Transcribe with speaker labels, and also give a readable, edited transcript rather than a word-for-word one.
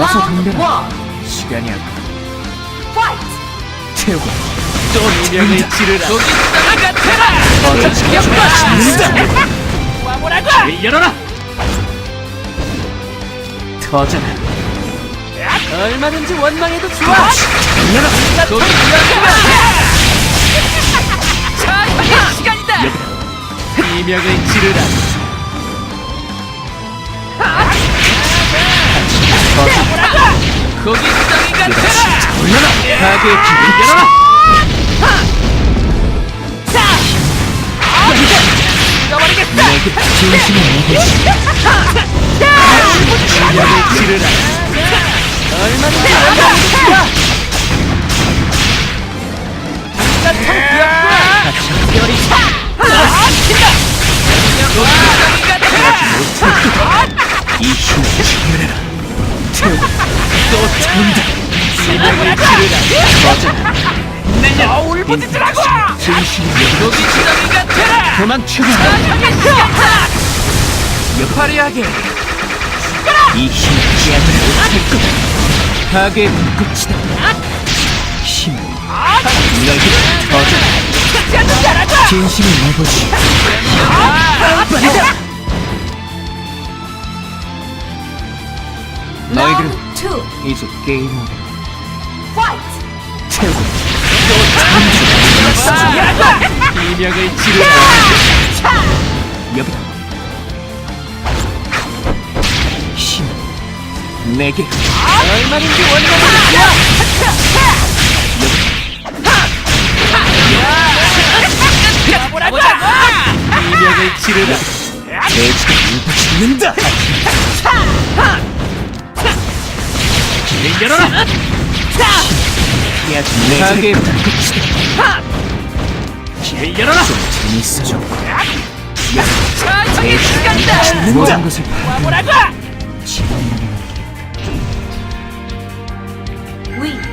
Speaker 1: 어서 덤벼라. 시간이 아까 태우고
Speaker 2: 또 운명을 지르라. 거기 땅이 같아라. 와보라고. 열어라.
Speaker 1: 터져라.
Speaker 2: 얼마든지 원망해도 좋아.
Speaker 1: 열어라.
Speaker 2: 거기 땅이 자, 이제 시간이다. 이명을 지르라. 거기 땅이 같아라.
Speaker 1: 올려라.
Speaker 2: 가게의 길을 열어라. 죽어버리겠다.
Speaker 1: 내게 진심을 내보지.
Speaker 2: 이명을 지르라. 얼마든지 원망해도 좋아. 같은 기억과 별이 차! 친다! 거기 땅이 같아라.
Speaker 1: 이 힘을 지켜내라. 태우고 또 태운다.
Speaker 2: 이명을 지르라.
Speaker 1: 터져라.
Speaker 2: 내년 울부짖으라고!
Speaker 1: 진심을 내보지.
Speaker 2: 거기 땅이 같아라.
Speaker 1: 도망쳐라.
Speaker 2: 화려하게
Speaker 1: 이 힘을 깨하지 못할 거다. 가게의 불꽃이다. 힘을 너희들 터져라. 진심을 내보지. 너희들은 이제 게임 오버. 태우고
Speaker 2: 이명을 지르라.
Speaker 1: 여기다. 힘을 내게.
Speaker 2: 얼마든지 원망해도 좋아. 보자고. 이명을 지르라.
Speaker 1: 돼지가 울고 죽는다.
Speaker 2: 길을 열어라.
Speaker 1: 깨하지 가게의 불꽃이다.
Speaker 2: 길을 열어라.
Speaker 1: 좀 재밌어져.
Speaker 2: 자, 저기 시간이다.
Speaker 1: 모든 것을 바라보는
Speaker 2: 와보라고.
Speaker 1: 지원하는
Speaker 3: We